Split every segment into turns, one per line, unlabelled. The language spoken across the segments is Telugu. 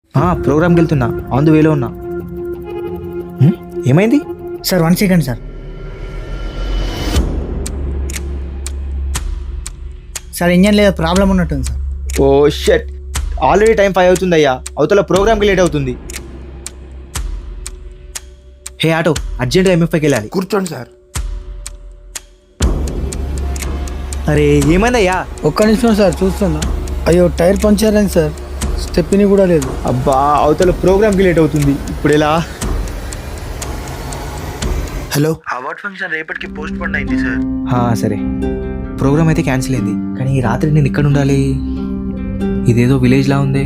ప్రోగ్రామ్కి వెళ్తున్నా, ఆన్ ది వేలో ఉన్నా. ఏమైంది
sir 1 second sir. Sir engine లేదా ప్రాబ్లం ఉన్నట్టుంది sir.
Oh shit, already time 5 అవుతుంది అయ్యా, అవతల ప్రోగ్రామ్కి లేట్ అవుతుంది. హే ఆటో, అర్జెంట్గా MFIకి వెళ్ళాలి.
కూర్చోండి సార్.
అరే ఏమైందయ్యా?
ఒక్క నిమిషం సార్ చూస్తున్నా. అయ్యో టైర్ పంచర్ అయింది సార్, స్టెప్ని కూడా లేదు.
అబ్బా, అవతల ప్రోగ్రామ్కి లేట్ అవుతుంది, ఇప్పుడు ఎలా?
హలో,
అవార్డ్ ఫంక్షన్ రేపటికి పోస్ట్ పోన్ అయింది సార్.
సరే, ప్రోగ్రామ్ అయితే క్యాన్సిల్ అయింది, కానీ ఈ రాత్రి నేను ఇక్కడ ఉండాలి. ఇదేదో విలేజ్ లా ఉంది.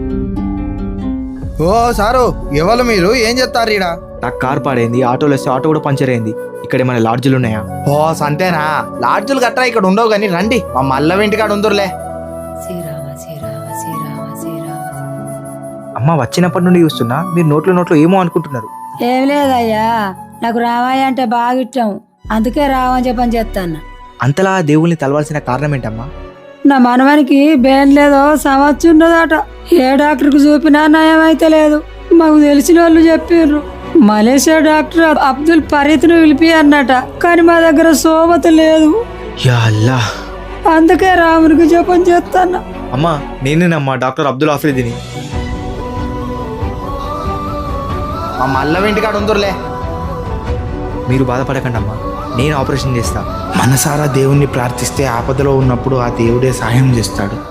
ఓ సారు, ఎవరు మీరు? ఏం చెప్తారు ఈడ?
నాకు కార్ పాడైంది, ఆటోలో వస్తే ఆటో కూడా పంచర్ అయింది. ఇక్కడ ఏమైనా లాడ్జులు ఉన్నాయా?
ఓ సంతేనా? లాడ్జులు గట్రా ఇక్కడ ఉండవు కానీ రండి, మా మల్ల ఇంటికాడ ఉందరులే.
శ్రీరామ శ్రీరామ శ్రీరామ శ్రీరామ.
అమ్మ వచ్చినప్పటి నుండి చూస్తున్నా, మీరు నోట్లో ఏమో అనుకుంటున్నారు.
ఏం లేదయ్యా, నాకు రామయ్య అంటే బాగా ఇష్టం, అందుకే రావని చెప్పని చెప్తాను.
అంతలా దేవుల్ని తలవాల్సిన కారణం ఏంటమ్మా?
నా మనవనికి బేన్ లేదో సమస్య ఉన్నదట. ఏ డాక్టర్కి చూపినా నయం అయితే లేదు. మాకు తెలిసిన వాళ్ళు చెప్పారు, మలేషియా డాక్టర్ అబ్దుల్ ఫరీద్ను పిలిపి అన్నట, కానీ మా దగ్గర సోమత లేదు.
యా అల్లా.
అందుకే రామునికి జపం చేస్తాను.
అమ్మా నేనేనమ్మా, డాక్టర్ అబ్దుల్ ఆఫ్రిదిని.
మా మల్ల ఇంటికాడ ఉందరులే.
మీరు బాధపడకండి అమ్మా, నేను ఆపరేషన్ చేస్తా.
మనసారా దేవుణ్ణి ప్రార్థిస్తే ఆపదలో ఉన్నప్పుడు ఆ దేవుడే సహాయం చేస్తాడు.